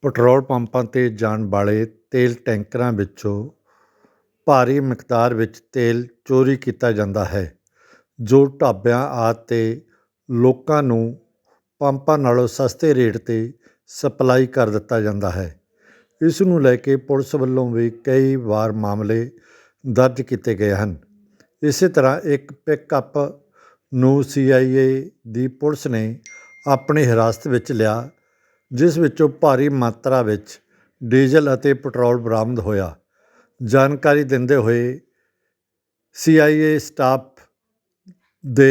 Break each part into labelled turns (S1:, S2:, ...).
S1: Petrol ਪੰਪਾਂ 'ਤੇ ਜਾਣ ਵਾਲੇ ਤੇਲ ਟੈਂਕਰਾਂ ਵਿੱਚੋਂ ਭਾਰੀ ਮਿਕਦਾਰ ਵਿੱਚ ਤੇਲ ਚੋਰੀ ਕੀਤਾ ਜਾਂਦਾ ਹੈ, ਜੋ ਢਾਬਿਆਂ ਆਦਿ 'ਤੇ ਲੋਕਾਂ ਨੂੰ ਪੰਪਾਂ ਨਾਲੋਂ ਸਸਤੇ ਰੇਟ 'ਤੇ ਸਪਲਾਈ ਕਰ ਦਿੱਤਾ ਜਾਂਦਾ ਹੈ। ਇਸ ਨੂੰ ਲੈ ਕੇ ਪੁਲਿਸ ਵੱਲੋਂ ਵੀ ਕਈ ਵਾਰ ਮਾਮਲੇ ਦਰਜ ਕੀਤੇ ਗਏ ਹਨ। ਇਸੇ ਤਰ੍ਹਾਂ ਇੱਕ ਪਿਕਅੱਪ ਨੂੰ CIA ਦੀ ਪੁਲਿਸ ਨੇ ਆਪਣੀ ਹਿਰਾਸਤ ਵਿੱਚ ਲਿਆ, ਜਿਸ ਵਿੱਚੋਂ ਭਾਰੀ ਮਾਤਰਾ ਵਿੱਚ ਡੀਜ਼ਲ ਅਤੇ ਪੈਟਰੋਲ ਬਰਾਮਦ ਹੋਇਆ। ਜਾਣਕਾਰੀ ਦਿੰਦੇ ਹੋਏ CIA ਸਟਾਫ ਦੇ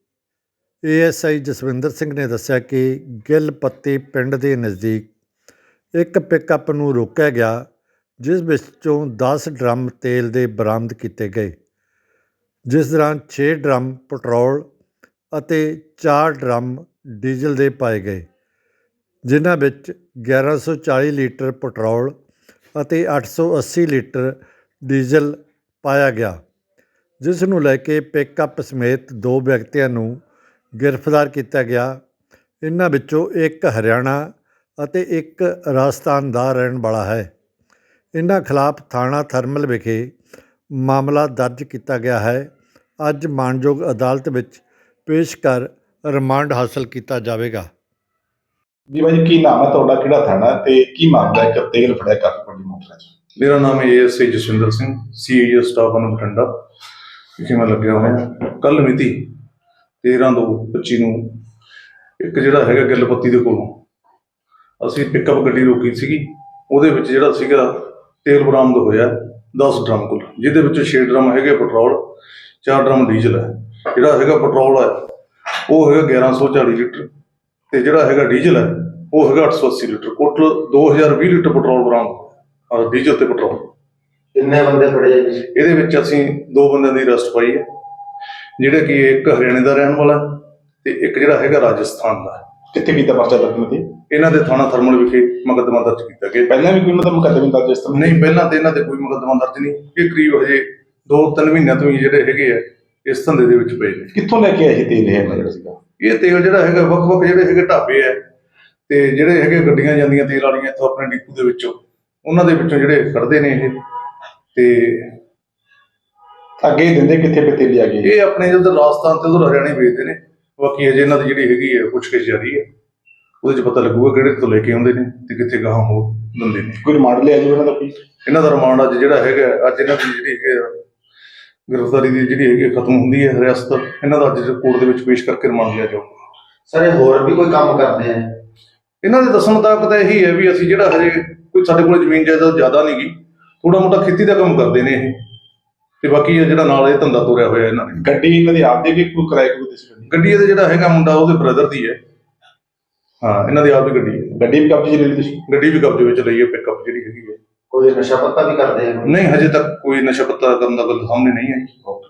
S1: ASI ਜਸਵਿੰਦਰ ਸਿੰਘ ਨੇ ਦੱਸਿਆ ਕਿ ਗਿੱਲ ਪੱਤੀ ਪਿੰਡ ਦੇ ਨਜ਼ਦੀਕ ਇੱਕ ਪਿਕਅੱਪ ਨੂੰ ਰੋਕਿਆ ਗਿਆ, ਜਿਸ ਵਿੱਚੋਂ 10 ਡਰਮ ਤੇਲ ਦੇ ਬਰਾਮਦ ਕੀਤੇ ਗਏ, ਜਿਸ ਦੌਰਾਨ 6 ਡਰਮ ਪੈਟਰੋਲ ਅਤੇ 4 ਡਰਮ ਡੀਜ਼ਲ ਦੇ ਪਾਏ ਗਏ, ਜਿਨ੍ਹਾਂ ਵਿੱਚ 1140 ਲੀਟਰ ਪੈਟਰੋਲ ਅਤੇ 880 ਲੀਟਰ ਡੀਜ਼ਲ ਪਾਇਆ ਗਿਆ, ਜਿਸ ਨੂੰ ਲੈ ਕੇ ਪਿਕਅੱਪ ਸਮੇਤ 2 ਵਿਅਕਤੀਆਂ ਨੂੰ ਗ੍ਰਿਫਤਾਰ ਕੀਤਾ ਗਿਆ। ਇਨ੍ਹਾਂ ਵਿੱਚੋਂ ਇੱਕ ਹਰਿਆਣਾ ਅਤੇ ਇੱਕ ਰਾਜਸਥਾਨ ਦਾ ਰਹਿਣ ਵਾਲਾ ਹੈ। ਇਨ੍ਹਾਂ ਖਿਲਾਫ ਥਾਣਾ ਥਰਮਲ ਵਿਖੇ ਮਾਮਲਾ ਦਰਜ ਕੀਤਾ ਗਿਆ ਹੈ। ਅੱਜ ਮਾਣਯੋਗ ਅਦਾਲਤ ਵਿੱਚ ਪੇਸ਼ ਕਰ ਰਿਮਾਂਡ ਹਾਸਲ ਕੀਤਾ ਜਾਵੇਗਾ।
S2: ਜੀ ਭਾਈ, ਕੀ ਨਾਮ ਹੈ ਤੁਹਾਡਾ, ਕਿਹੜਾ ਥਾਣਾ ਤੇ ਕੀ ਮਾਮਲਾ ਹੈ ਕਿ ਤੇਲ ਫੜਿਆ ਕਾਫੀ ਵੱਡੀ ਮਾਤਰਾ 'ਚ?
S3: ਮੇਰਾ ਨਾਮ ਹੈ ASI Jaswinder Singh, CAS staff ਨੂੰ ਬਠਿੰਡਾ ਵਿਖੇ ਮੈਂ ਲੱਗਿਆ ਹੋਇਆ। ਕੱਲ੍ਹ ਮਿਤੀ 13/2/25 ਨੂੰ ਇੱਕ ਜਿਹੜਾ ਹੈਗਾ ਗਿੱਲ ਪੱਤੀ ਦੇ ਕੋਲੋਂ ਅਸੀਂ ਪਿਕਅੱਪ ਗੱਡੀ ਰੋਕੀ ਸੀਗੀ। ਉਹਦੇ ਵਿੱਚ ਜਿਹੜਾ ਸੀਗਾ ਤੇਲ ਬਰਾਮਦ ਹੋਇਆ 10 ਡਰਮ ਕੁੱਲ, ਜਿਹਦੇ ਵਿੱਚੋਂ 6 ਡਰਮ ਹੈਗੇ ਪੈਟਰੋਲ, 4 ਡਰਮ ਡੀਜ਼ਲ ਹੈ। ਜਿਹੜਾ ਹੈਗਾ ਪੈਟਰੋਲ ਹੈ ਉਹ ਹੈਗਾ 1140 ਲੀਟਰ ਤੇ ਜਿਹੜਾ ਹੈਗਾ ਡੀਜ਼ਲ ਹੈ ਉਹ ਹੈਗਾ 880 ਲੀਟਰ। ਟੋਟਲ 2020 ਲੀਟਰ ਪੈਟਰੋਲ ਬਰਾਮਦ, ਡੀਜ਼ਲ ਤੇ ਪੈਟਰੋਲ।
S2: ਕਿੰਨੇ ਬੰਦੇ ਫੜੇ ਜੀ?
S3: ਇਹਦੇ ਵਿੱਚ ਅਸੀਂ 2 ਬੰਦਿਆਂ ਦੀ ਅਰੈਸਟ ਪਾਈ ਹੈ, ਜਿਹੜੇ ਕਿ ਇੱਕ ਹਰਿਆਣੇ ਦਾ ਰਹਿਣ ਵਾਲਾ ਤੇ ਇੱਕ ਜਿਹੜਾ ਹੈਗਾ ਰਾਜਸਥਾਨ ਦਾ।
S2: ਕਿੱਥੇ ਕੀਤਾ ਪਰਚਾ ਦਰਜ ਤੇ?
S3: ਇਹਨਾਂ ਦੇ ਥਾਣਾ ਥਰਮਲ ਵਿਖੇ ਮੁਕੱਦਮਾ ਦਰਜ ਕੀਤਾ ਗਿਆ।
S2: ਪਹਿਲਾਂ ਵੀ ਕੋਈ ਉਹਨਾਂ ਦਾ ਮੁਕੱਦਮਾ ਦਰਜ ਇਸ ਤਰ੍ਹਾਂ?
S3: ਨਹੀਂ, ਪਹਿਲਾਂ ਤੇ ਇਹਨਾਂ ਤੇ ਕੋਈ ਮੁਕੱਦਮਾ ਦਰਜ ਨਹੀਂ। ਇਹ ਕਰੀਬ ਹਜੇ 2-3 ਮਹੀਨਿਆਂ ਤੋਂ ਹੀ ਜਿਹੜੇ ਹੈਗੇ ਆ ਇਸ ਧੰਦੇ ਦੇ ਵਿੱਚ ਪਏ ਨੇ।
S2: ਕਿੱਥੋਂ ਲੈ ਕੇ ਆਏ ਸੀ ਤੇਲ ਇਹ ਜਿਹੜਾ ਸੀਗਾ?
S3: ਇਹ ਤੇਲ ਜਿਹੜਾ ਹੈਗਾ ਵੱਖ-ਵੱਖ ਜਿਹੜੇ ਹੈਗੇ ਢਾਬੇ ਆ ਤੇ ਜਿਹੜੇ ਹੈਗੇ ਗੱਡੀਆਂ ਜਾਂਦੀਆਂ ਤੇਲ ਵਾਲੀਆਂ ਇੱਥੋਂ ਆਪਣੇ ਡਿਪੂ ਦੇ ਵਿੱਚੋਂ, ਉਹਨਾਂ ਦੇ ਵਿੱਚੋਂ ਜਿਹੜੇ ਕੱਢਦੇ ਨੇ ਇਹ ਤੇ
S2: ਅੱਗੇ ਦਿੰਦੇ ਕਿੱਥੇ ਪੇ ਤੇਲ ਆ ਗਏ?
S3: ਇਹ ਆਪਣੇ ਉਧਰ ਰਾਜਸਥਾਨ ਤੇ ਉਧਰ ਹਰਿਆਣੇ ਵੇਚਦੇ ਨੇ। ਬਾਕੀ ਅਜੇ ਇਹਨਾਂ ਦੀ ਜਿਹੜੀ ਹੈਗੀ ਹੈ ਪੁੱਛਗਿੱਛ ਜਾਰੀ ਹੈ, ਉਹਦੇ 'ਚ ਪਤਾ ਲੱਗੂਗਾ ਕਿਹੜੇ ਤੋਂ ਲੈ ਕੇ ਆਉਂਦੇ ਨੇ ਤੇ ਕਿੱਥੇ ਗਾਹਾਂ ਹੋਰ ਦਿੰਦੇ ਨੇ।
S2: ਕੋਈ ਰਿਮਾਂਡ ਲਿਆ ਜੀ ਇਹਨਾਂ ਦਾ? ਕੋਈ
S3: ਇਹਨਾਂ ਦਾ ਰਿਮਾਂਡ ਅੱਜ ਜਿਹੜਾ ਹੈਗਾ, ਅੱਜ ਇਹਨਾਂ ਦੀ ਜਿਹੜੀ ਹੈਗੀ ਗ੍ਰਿਫਤਾਰੀ ਦੀ ਜਿਹੜੀ ਹੈਗੀ ਖਤਮ ਹੁੰਦੀ ਹੈ ਰਿਆਸਤ। ਇਹਨਾਂ ਦਾ ਅੱਜ ਕੋਰਟ ਦੇ ਵਿੱਚ ਪੇਸ਼ ਕਰਕੇ ਰਿਮਾਂਡ ਲਿਆ ਜਾਊਗਾ।
S2: ਸਰ, ਇਹ ਹੋਰ ਵੀ ਕੋਈ ਕੰਮ ਕਰਦੇ ਆ?
S3: ਇਹਨਾਂ ਦੇ ਦੱਸਣ ਮੁਤਾਬਕ ਤਾਂ ਇਹੀ ਹੈ ਵੀ ਅਸੀਂ ਜਿਹੜਾ ਹਜੇ ਕੋਈ ਸਾਡੇ ਕੋਲ ਜ਼ਮੀਨ ਜਾਇਦਾਦ ਜ਼ਿਆਦਾ ਨਹੀਂ ਗੀ, ਥੋੜਾ ਮੋਟਾ ਖੇਤੀ ਦਾ ਕੰਮ ਕਰਦੇ ਨੇ ਇਹ, ਤੇ ਬਾਕੀ ਜਿਹੜਾ ਨਾਲ ਇਹ ਧੰਦਾ ਤੋਰਿਆ ਹੋਇਆ ਇਹਨਾਂ ਨੇ।
S2: ਗੱਡੀ ਇਹਨਾਂ ਦੀ ਆਪ ਦੀ ਕਿ ਕੋਈ ਕਿਰਾਏ ਕੋਈ ਦਿੱਤੀ?
S3: ਗੱਡੀ ਇਹਦੇ ਜਿਹੜਾ ਹੈਗਾ ਮੁੰਡਾ ਉਹਦੇ ਬ੍ਰਦਰ ਦੀ ਹੈ। ਹਾਂ, ਇਹਨਾਂ ਦੀ ਆਪ ਦੀ ਗੱਡੀ ਹੈ।
S2: ਗੱਡੀ ਵੀ ਕਬਜ਼ੇ 'ਚ ਲੈ ਲਈ ਤੁਸੀਂ?
S3: ਗੱਡੀ ਵੀ ਕਬਜ਼ੇ ਵਿੱਚ ਲਈ ਹੈ, ਪਿਕਅੱਪ ਜਿਹੜੀ ਹੈਗੀ ਹੈ।
S2: ਕੋਈ ਨਸ਼ਾ ਪੱਤਾ ਵੀ ਕਰਦੇ ਆ?
S3: ਨਹੀਂ, ਹਜੇ ਤੱਕ ਕੋਈ ਨਸ਼ਾ ਪੱਤਾ ਕਰਨ ਦਾ ਗੱਲ ਸਾਹਮਣੇ ਨਹੀਂ ਆਈ।